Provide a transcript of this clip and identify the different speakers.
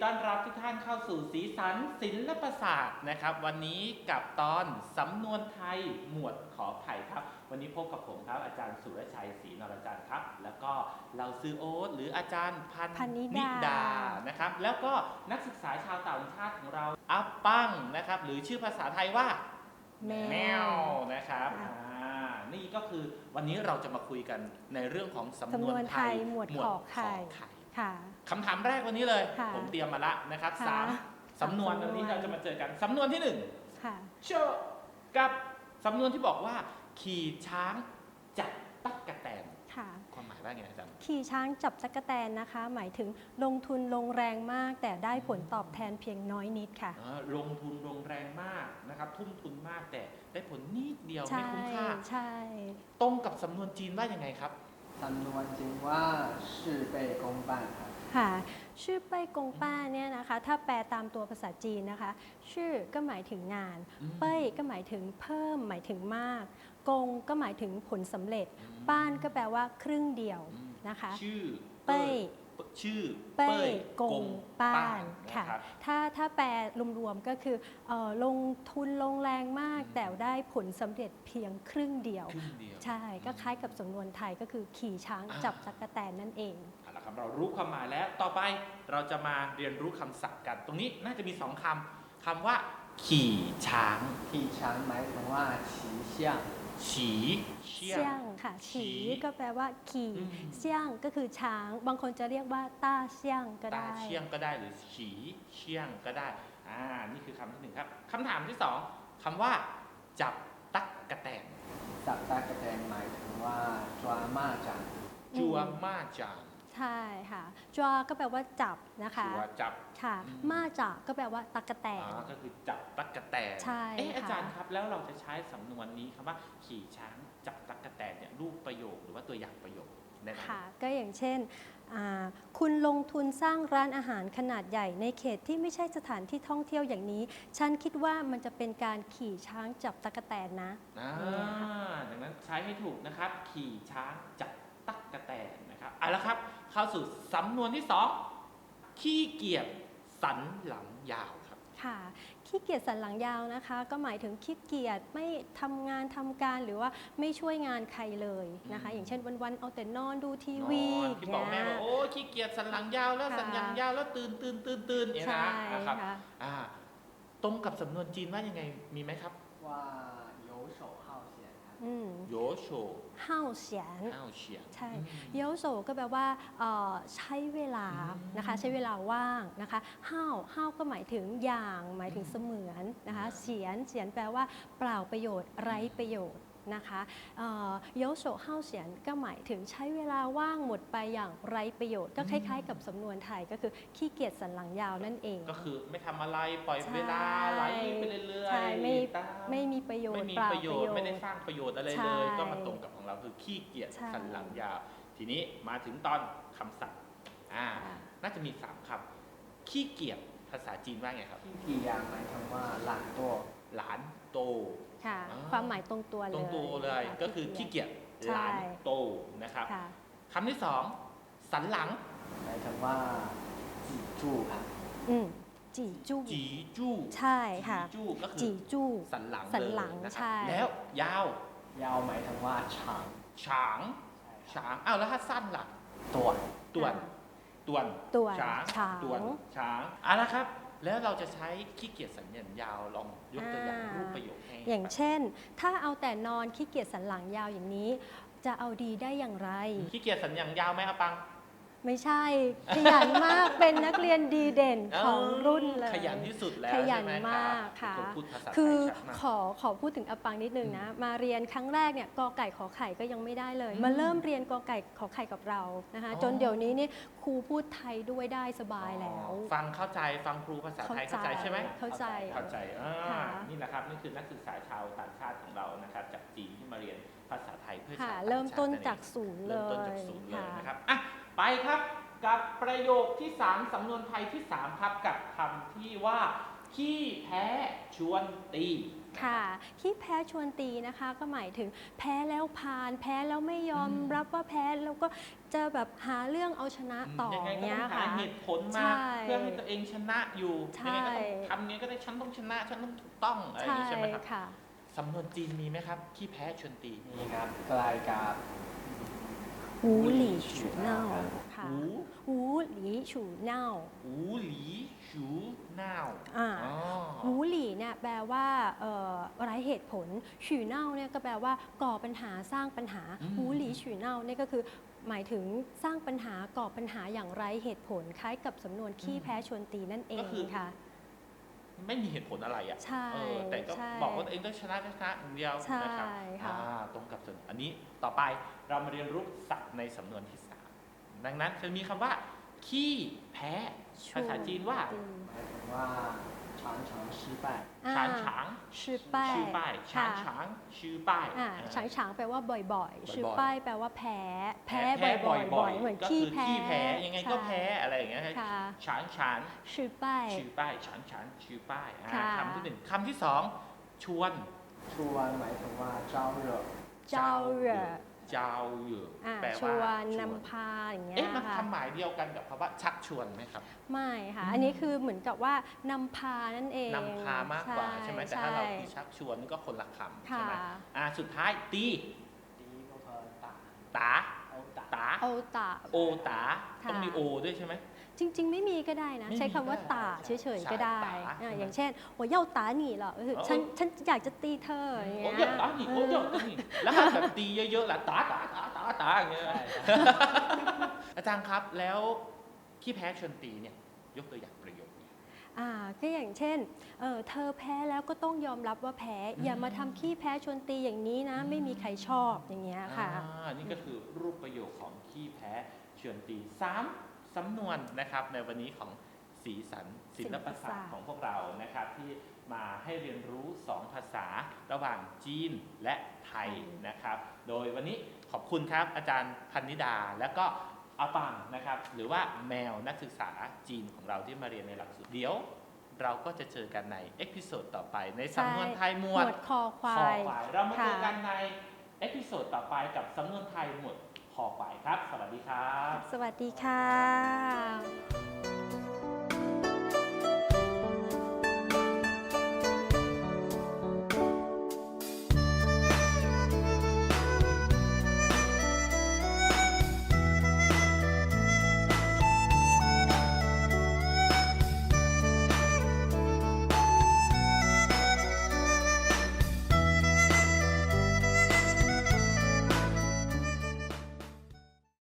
Speaker 1: ต้อนรับทุกท่านเข้าสู่สีสันศิลปศาสตร์นะครับวันนี้กับตอนสำนวนไทยหมวดขอไข่ครับวันนี้พบกับผมครับอาจารย์สุรชัยศรีนรจันทร์ครับแล้วก็เราซื้อโอ๊ตหรืออาจารย์พันนิดานะครับแล้วก็นักศึกษาชาวต่างชาติของเราอัปปังนะครับหรือชื่อภาษาไทยว่าแมวนะครับนี่ก็คือวันนี้เราจะมาคุยกันในเรื่องของสำนวนไทย
Speaker 2: หมวดขอไข่
Speaker 1: คำถามแรกวันนี้เลยผมเตรียมมาละนะครับ3 สำนวนวันนี้เราจะมาเจอกันสำนวนที่1เชกับสำนวนที่บอกว่าขี่ช้างจับตั๊กแตนความหมายว่าไงอาจารย์
Speaker 2: ขี่ช้างจับตั๊กแตนนะคะหมายถึงลงทุนลงแรงมากแต่ได้ผลตอบแทนเพียงน้อยนิดค่ะ
Speaker 1: ลงทุนลงแรงมากนะครับทุ่มทุนมากแต่ได้ผลนิดเดียวไม่คุ้มค่า
Speaker 2: ใช่
Speaker 1: ตรงกับสำนวนจีนว่ายังไงครับ
Speaker 3: สำนวนจีนว่า事倍功半ครับ
Speaker 2: ค่ะชื่อเป้ยกงป้าเนี่ยนะคะถ้าแปลตามตัวภาษาจีนนะคะชื่อก็หมายถึงงานเป้ยก็หมายถึงเพิ่มหมายถึงมากกงก็หมายถึงผลสำเร็จป้านก็แปลว่าครึ่งเดียวนะคะ
Speaker 1: ชื่อ
Speaker 2: เป้ย
Speaker 1: ชื่อ
Speaker 2: เป้ยกงป้านค่ะถ้าแปลรวมๆก็คือลงทุนลงแรงมากแต่ได้ผลสำเร็จเพียงครึ่งเดียวใช่ก็คล้ายกับสำนวนไทยก็คือขี่ช้างจับตั๊กแตนนั่นเอง
Speaker 1: เรารู้ความหมายแล้วต่อไปเราจะมาเรียนรู้คำศัพท์กันตรงนี้น่าจะมี2 คำว่าขี่ช้าง
Speaker 3: หมายถึงว่าฉีเชี่ยง
Speaker 1: เชี่ยง
Speaker 2: ค่ะฉีก็แปลว่าขี่เชี่ยงก็คือช้างบางคนจะเรียกว่าต้าเชี่ยงก็ได้
Speaker 1: ต้าเชี่ยงก็ได้หรือฉีเชี่ยงก็ได้นี่คือคำที่1ครับคำถามที่2คำว่าจับตั๊กแตน
Speaker 3: จับตั๊กแตนหมายถึงว่าจัวมา
Speaker 1: จาง
Speaker 2: ใช่ค่ะจัวก็แปลว่าจับนะคะ
Speaker 1: จับ
Speaker 2: ค่ะมาจากก็แปลว่าตั๊กแตน
Speaker 1: ก็คือจับตั๊กแตน
Speaker 2: ใช่
Speaker 1: อาจารย์ครับแล้วเราจะใช้สำนวนนี้คำว่าขี่ช้างจับตั๊กแตนเนี่ยรูปประโยคหรือว่าตัวอย่างประโยคได้ไหม
Speaker 2: ค่ะก็อย่างเช่นคุณลงทุนสร้างร้านอาหารขนาดใหญ่ในเขตที่ไม่ใช่สถานที่ท่องเที่ยวอย่างนี้ฉันคิดว่ามันจะเป็นการขี่ช้างจับตั๊กแตนนะ
Speaker 1: ดังนั้นใช้ให้ถูกนะครับขี่ช้างจับตั๊กแตนนะครับเอาละครับเข้าสู่สำนวนที่2ขี้เกียจสันหลังยาวครับ
Speaker 2: ค่ะขี้เกียจสันหลังยาวนะคะก็หมายถึงขี้เกียจไม่ทำงานทำการหรือว่าไม่ช่วยงานใครเลยนะคะอย่างเช่นวันๆเอาแต่นอนดูทีวี
Speaker 1: ที่บอกแม่ว่าโอ้ขี้เกียจสันหลังยาวแล้วสันหลังยาวแล้วตื่นเนี่ยนะครับตรงกับสำนวนจีนว่ายังไงมีไหมครับ
Speaker 3: ว่า游手好闲
Speaker 1: โยโฉ
Speaker 2: เฮาเฉียนใช่โยโฉก็แปลว่าใช้เวลานะคะใช้เวลาว่างนะคะเฮาก็หมายถึงอย่างหมายถึงเสมือนนะคะเฉียนแปลว่าเปล่าประโยชน์ไร้ประโยชน์นะคะโยโฉเฮาเฉียนก็หมายถึงใช้เวลาว่างหมดไปอย่างไร้ประโยชน์ก็คล้ายๆกับสำนวนไทยก็คือขี้เกียจสันหลังยาวนั่นเอง
Speaker 1: ก็คือไม่ทำอะไรปล่อยเวลาไหลไปเรื่อย
Speaker 2: ๆไม่มีประโยชน์
Speaker 1: ไม่ได้สร้างประโยชน์อะไรเลยก็มาตรงกับของเราคือขี้เกียจสันหลังยาวทีนี้มาถึงตอนคำศัพท์น่าจะมี3 คำขี้เกียจภาษาจีนว่าไงครับ
Speaker 3: ขี้เกียจหมายถึงว่าหลานโต
Speaker 2: ค่ะความหมายตรงตัว
Speaker 1: เลยก็คือขี้เกียจหลานโตนะครับคำที่2สันหลัง
Speaker 3: หมายถึงว่าจีจู่ครับ
Speaker 2: จีจู่ใช่ค่ะ
Speaker 1: จีจู่ก็คือ
Speaker 2: จีจู่
Speaker 1: สันหลัง
Speaker 2: ใช่
Speaker 1: แล้วยาว
Speaker 3: หมายถึงว่าฉาง
Speaker 1: แล้วถ้าสั้นล่ะ
Speaker 3: ต่วน
Speaker 1: ช้างละครับแล้วเราจะใช้ขี้เกียจสันหลังยาวลองยกตัวอย่างรูปประโยคให้
Speaker 2: อย่างเช่นถ้าเอาแต่นอนขี้เกียจสันหลังยาวอย่างนี้จะเอาดีได้อย่างไร
Speaker 1: ขี้เกียจสันหลังยาวไหมอาปัง
Speaker 2: ไม่ใช่ขยันมากเป็นนักเรียนดีเด่นของรุ่นเลย
Speaker 1: ขยันที่สุดแล้ว
Speaker 2: ขยันมากค่ะคือขอพูดถึงอปังนิดนึงนะมาเรียนครั้งแรกเนี่ยกอไก่ขอไข่ก็ยังไม่ได้เลยมาเริ่มเรียนกอไก่ขอไข่กับเรานะคะจนเดี๋ยวนี้นี่ครูพูดไทยด้วยได้สบายแล้ว
Speaker 1: ฟังเข้าใจฟังครูภาษาไทยเข้าใจใช่ไหม
Speaker 2: เข้าใจ
Speaker 1: นี่แหละครับนี่คือนักศึกษาชาวต่างชาติของเรานะครับจากจีนที่มาเรียนภาษาไทยเพื่อ
Speaker 2: ใช้เริ่มต้นจากศูนย์เลย
Speaker 1: นะครับไปครับกับประโยคที่3สำนวนไทยที่3ครับกับคำที่ว่าขี้แพ้ชวนตี
Speaker 2: ค่ะขี้แพ้ชวนตีนะคะก็หมายถึงแพ้แล้วผ่านแพ้แล้วไม่ยอมรับว่าแพ้แล้วก็จะแบบหาเรื่องเอาชนะต่อ
Speaker 1: ยังไงก็
Speaker 2: เนี้
Speaker 1: ต้
Speaker 2: ย
Speaker 1: องหา
Speaker 2: ค่ะ
Speaker 1: เหตุผล
Speaker 2: ใช่
Speaker 1: มาเพื่อให้ตัวเองชนะอยู่
Speaker 2: ใช่
Speaker 1: ยังไงก็ต้องทำยังไงก็ได้ฉันต้องชนะฉันต้องถูกต้องอะไรอย่างนี้ใช่ไหมครับ
Speaker 2: ค่ะ
Speaker 1: สำนวนจีนมีไหมครับขี้แพ้ชวนตี
Speaker 3: นี่ครับใกล้กับ
Speaker 2: หูหลี่ฉูเน่าค่ะ
Speaker 1: หู
Speaker 2: หูหลี่ฉูเน่า
Speaker 1: หูหลีชูน่าว
Speaker 2: อ่า
Speaker 1: อ๋อ
Speaker 2: หูหลี่เนี่ยแปลว่าไร้เหตุผลฉูเน่าเนี่ยก็แปลว่าก่อปัญหาสร้างปัญหา หูหลี่ฉูเน่าเนี่ยก็คือหมายถึงสร้างปัญหาก่อปัญหาอย่างไร้เหตุผลคล้ายกับสำนวนขี้แพ้ชวนตีนั่นเองค่ะ
Speaker 1: ไม่มีเหตุผลอะไรอ่ะ
Speaker 2: ใช่
Speaker 1: แต่ก็
Speaker 2: ใช่
Speaker 1: บอกว่าตัวเองต้องชนะอย่างเดียว
Speaker 2: ใช่
Speaker 1: นะครับ
Speaker 2: ค่ะ
Speaker 1: ตรงกับส่วนอันนี้ต่อไปเรามาเรียนรู้ศัพท์ในสำนวนที่ 3 ดังนั้นจะมีคำว่าขี้แพ้ภาษาจีนว่า
Speaker 3: หมายถึงว่า常常失败
Speaker 1: ฉานฉาง
Speaker 2: ชื่อป้าย
Speaker 1: ชื่อป้ายฉานฉางชื่อป้าย
Speaker 2: ฉางฉางแปลว่าบ่อยๆ ชื่อ
Speaker 1: บ่อยๆ
Speaker 2: ป้ายแปลว่าแพ้ แพ้
Speaker 1: แพ้
Speaker 2: บ่อย
Speaker 1: บ่อย
Speaker 2: ๆ เหมือน
Speaker 1: ก็
Speaker 2: ขี้
Speaker 1: คือ
Speaker 2: แพ้
Speaker 1: ขี้แพ้ยังไงก็แพ้อะไรอย่างเงี้ย
Speaker 2: ค่ะ
Speaker 1: ฉานฉาน
Speaker 2: ชื่อป้าย
Speaker 1: ชื่อป้ายฉานฉานชื่อป้าย
Speaker 2: ค่ะ
Speaker 1: คำที่ 1คำที่ 2 ชวน
Speaker 3: ชวนหมายถึงว่าเจ้าเหรอ
Speaker 2: เจ้าเหรอ
Speaker 1: เจ้าเหยื่อ
Speaker 2: ช
Speaker 1: แปล
Speaker 2: ว
Speaker 1: ว่าน
Speaker 2: นำพาอย่างเงี้ย
Speaker 1: เอ๊ะมัน
Speaker 2: ค่ะ
Speaker 1: คำหมายเดียวกันกับคำว่าชักชวนไหมครับ
Speaker 2: ไม่ค่ะ อันนี้คือเหมือนกับว่านำพานั่นเอง
Speaker 1: นำพามากกว่าใช่ไหมแต่ถ้าเราคือชักชวนนี่ก็คนละคำใช่ไหม
Speaker 2: ค่ะ
Speaker 1: สุดท้ายตี
Speaker 3: ดีก็คือตา
Speaker 1: ตา
Speaker 3: เอาตา
Speaker 1: ตา
Speaker 2: โอตา
Speaker 1: โอตา
Speaker 2: ค่ะ
Speaker 1: ต้องมีโอด้วยใช่ไหม
Speaker 2: จริง ๆ ไม่มีก็ได้นะ
Speaker 1: ไม่มี
Speaker 2: ใช้คำว่า
Speaker 1: ก็ได้
Speaker 2: ตาเฉยๆก็ได้
Speaker 1: ใช่ตา
Speaker 2: อย่างเช่น我要打你了ก็คือฉันอยากจะตีเธออย่าง
Speaker 1: โอ้
Speaker 2: เงี้
Speaker 1: เย
Speaker 2: ย
Speaker 1: อะตานี่โอ้เยอะตานี่แล้วถ้าแบบตีเยอะๆล่ะตาอย่างเงี้ย อาจารย์ครับแล้วขี้แพ้ชวนตีเนี่ยยกตัวอย่างประโยคนี้
Speaker 2: ก็อย่างเช่นเธอแพ้แล้วก็ต้องยอมรับว่าแพ้ อย่ามาทำขี้แพ้ชวนตีอย่างนี้นะ ไม่มีใครชอบอย่างเงี้ยค่ะ
Speaker 1: นี่ก็คือรูปประโยคของขี้แพ้ชวนตี3สำนวนนะครับในวันนี้ของสีสันศิลปศาสตร์ของพวกเรานะครับที่มาให้เรียนรู้ 2 ภาษาระหว่างจีนและไทยนะครับ โดยวันนี้ขอบคุณครับอาจารย์พันนิดาและก็อาปังนะครับหรือว่าแมวนักศึกษาจีนของเราที่มาเรียนในหลักสูตรเดี๋ยวเราก็จะเจอกันในเอพิโซดต่อไปในสำนวนไทยหมวด
Speaker 2: คอควาย
Speaker 1: เรามาเจอกันในเอพิโซดต่อไปกับสำนวนไทยหมวดคอควายครับ สวัสดีครับ
Speaker 2: สวัสดีค่ะ